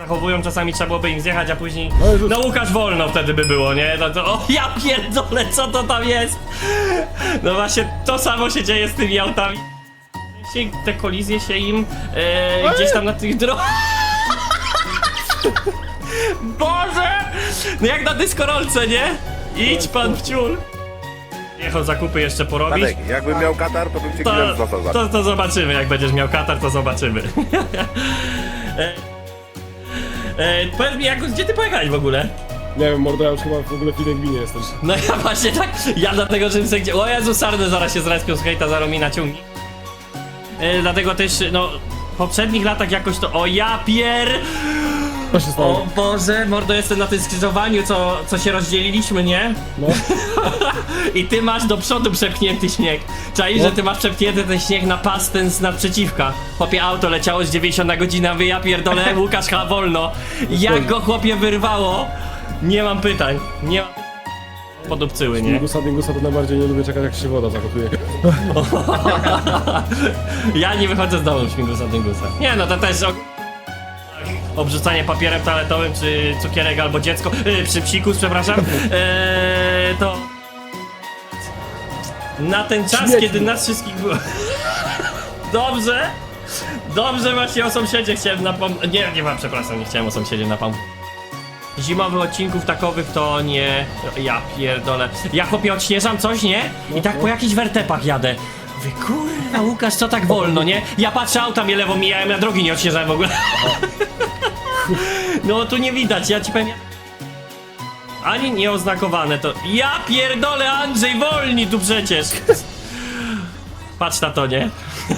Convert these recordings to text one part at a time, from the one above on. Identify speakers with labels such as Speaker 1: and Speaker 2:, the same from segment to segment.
Speaker 1: zachowują, czasami trzeba byłoby im zjechać, a później... No Łukasz wolno wtedy by było, nie? O ja pierdolę, co to tam jest? No właśnie, to samo się dzieje z tymi autami. Te kolizje się im gdzieś tam na tych drogach... Boże! No jak na dyskorolce, nie? Idź pan w ciul. Jechał zakupy jeszcze porobić.
Speaker 2: Tadek, jakbym miał katar, to bym cię klient został za
Speaker 1: To zobaczymy, jak będziesz miał katar, to zobaczymy. Powiedz mi, gdzie ty pojechałeś w ogóle?
Speaker 3: Nie wiem, mordo, ja już chyba w ogóle w innej gminie jesteś.
Speaker 1: No ja właśnie tak, ja dlatego, że myślę, gdzie... O Jezu, sarny zaraz się zrespią z hejta, zaraz mi naciągnie. Dlatego też, no, w poprzednich latach jakoś to... O ja pier...
Speaker 3: Co się stało?
Speaker 1: O Boże, mordo, jestem na tym skrzyżowaniu, co się rozdzieliliśmy, nie?
Speaker 3: No.
Speaker 1: I ty masz do przodu przepchnięty śnieg. Czaisz, że ty masz przepchnięty ten śnieg na pas ten z naprzeciwka. Chłopie, auto leciało z 90 na godzinę, wy ja pierdolę, Łukasz chyba wolno. Jak go chłopie wyrwało? Nie mam pytań, nie mam... Podupcyły, nie?
Speaker 3: Dingusa to najbardziej nie lubię czekać, jak się woda zakopuje.
Speaker 1: Ja nie wychodzę z domu śmigusa dyngusa. Nie no, to też obrzucanie papierem toaletowym, czy cukierek albo dziecko, przy psikus, przepraszam, to na ten czas,
Speaker 3: Śmieci.
Speaker 1: kiedy nas wszystkich było... Dobrze, dobrze właśnie o sąsiedzie chciałem napomnieć, nie mam, przepraszam, nie chciałem o sąsiedzie napomnieć. Zimowych odcinków takowych to nie... Ja pierdolę. Ja chłopie odśnieżam coś, nie? I tak po jakichś wertepach jadę. Wy kurwa, Łukasz, co tak wolno, nie? Ja patrzę, auta mnie lewo mijają, ja drogi nie odśnieżałem w ogóle. No tu nie widać, ja ci powiem... Ani nieoznakowane to... Ja pierdolę, Andrzej, wolni tu przecież! Patrz na to, nie?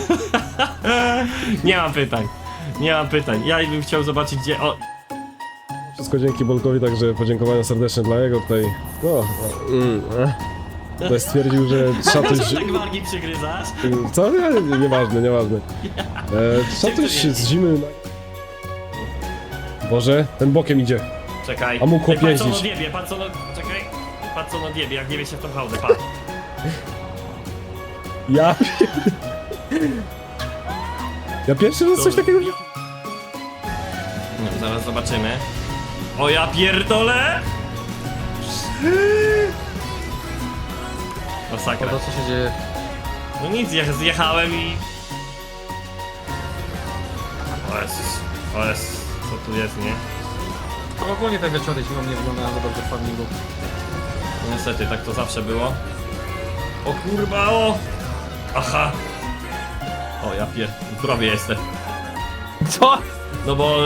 Speaker 1: Nie mam pytań. Nie mam pytań. Ja bym chciał zobaczyć, gdzie... O...
Speaker 3: Wszystko dzięki Bolkowi, także podziękowania serdeczne dla jego tutaj. No, tutaj stwierdził, że trzeba coś...
Speaker 1: Co tak wargi przygryzasz?
Speaker 3: Co? Nieważne. Trzeba coś z zimy... Boże, ten bokiem idzie.
Speaker 1: Czekaj.
Speaker 3: A mógł
Speaker 1: Ej, patrz co
Speaker 3: jeździć.
Speaker 1: on odjebie, patrz co on... Czekaj. Patrz co on odjebie, jak nie wie się w tą hałdę, patrz.
Speaker 3: Ja... Ja pierwszy raz coś takiego...
Speaker 1: No, zaraz zobaczymy. O ja pierdolę! Masakra.
Speaker 4: To co się dzieje?
Speaker 1: No nic, ja zjechałem i... O jest, co tu jest, nie?
Speaker 4: To ogólnie te wieczory zimą nie wyglądają za dobrze w farmingu.
Speaker 1: No niestety, tak to zawsze było. O kurwa, o! Aha! O ja w zdrowie jestem.
Speaker 4: Co?
Speaker 1: No bo...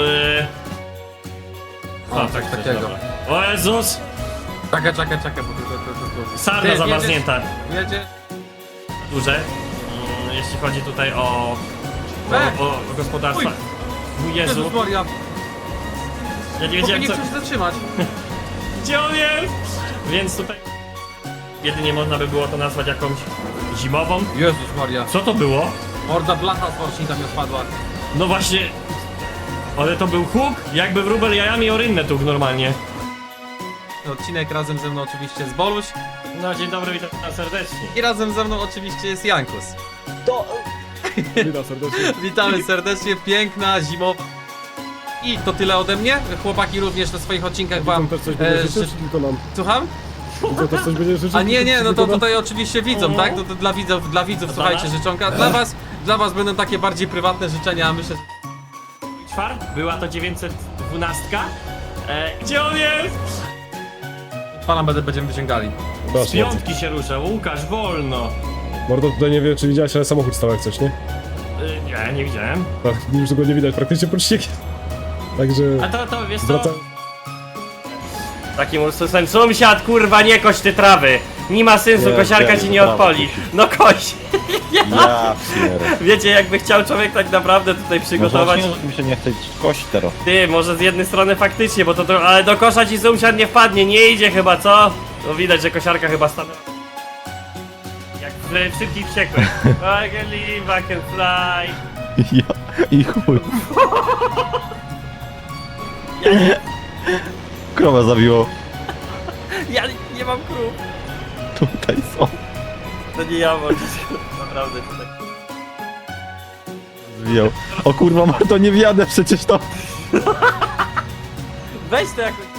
Speaker 4: O, coś takiego.
Speaker 1: dobra. O Jezus!
Speaker 4: Czekaj, bo to.
Speaker 1: Sarna zamarznięta.
Speaker 4: Jedzie.
Speaker 1: Duże. Jeśli chodzi tutaj o gospodarstwa. Mój Jezu,
Speaker 4: Jezus Maria.
Speaker 1: ja nie
Speaker 4: Chłopie,
Speaker 1: wiedziałem
Speaker 4: nie
Speaker 1: co...
Speaker 4: chcę się zatrzymać.
Speaker 1: Gdzie on jest? Więc tutaj... Jedynie można by było to nazwać jakąś zimową.
Speaker 4: Jezus Maria.
Speaker 1: Co to było?
Speaker 4: Morda blacha z worcznika mi odpadła.
Speaker 1: No właśnie... Ale to był huk? Jakby wróbel jajami o rynnę tukł normalnie.
Speaker 4: Odcinek razem ze mną oczywiście jest Boluś.
Speaker 1: No dzień dobry, witam serdecznie.
Speaker 4: I razem ze mną oczywiście jest Jankus.
Speaker 3: Witam serdecznie.
Speaker 4: Witamy serdecznie, piękna, zimowa. I to tyle ode mnie. Chłopaki również na swoich odcinkach wam...
Speaker 3: Tam też coś będzie życzył,
Speaker 4: ży-
Speaker 3: czy tylko nam?
Speaker 4: Słucham?
Speaker 3: To też coś będzie życzył?
Speaker 4: A nie,
Speaker 3: czy
Speaker 4: no to
Speaker 3: tylko nam?
Speaker 4: tutaj oczywiście widzom, tak? To dla widzów słuchajcie, życzonka. Dla was będą takie bardziej prywatne życzenia, a myślę, że...
Speaker 1: Czwart? Była to 912. Gdzie on jest?
Speaker 4: Pana będziemy wyciągali.
Speaker 1: Z
Speaker 3: Proszę bardzo.
Speaker 1: piątki się rusza, Łukasz, wolno.
Speaker 3: Mordo, tutaj nie wiem, czy widziałeś, ale samochód stał jak coś, nie?
Speaker 1: Nie widziałem.
Speaker 3: Tak, już go nie widać praktycznie pod śniegiem. Także...
Speaker 1: A to wiesz co?
Speaker 3: Wraca...
Speaker 1: Takim ursusem, sąsiad, kurwa, nie koś ty trawy. Nie ma sensu,
Speaker 2: Nie,
Speaker 1: kosiarka
Speaker 2: nie,
Speaker 1: ci nie
Speaker 2: brawo.
Speaker 1: odpali. No koś.
Speaker 2: Ja pierdolę.
Speaker 1: Wiecie, jakby chciał człowiek tak naprawdę tutaj przygotować.
Speaker 2: Może mi się nie chce kość teraz.
Speaker 1: Ty, może z jednej strony faktycznie, bo to ale do kosza ci sąsiad nie wpadnie, nie idzie chyba, co? No widać, że kosiarka chyba stanęła. Jak w szybkich wściekłych. I can live, I can fly.
Speaker 2: Ja i chuj. Krowa zabiło.
Speaker 1: Ja nie mam krów.
Speaker 2: Tutaj są.
Speaker 1: To nie ja, bo naprawdę tutaj.
Speaker 2: Zwijał. O kurwa, Marto, nie wjadę przecież to.
Speaker 4: Weź to jakoś...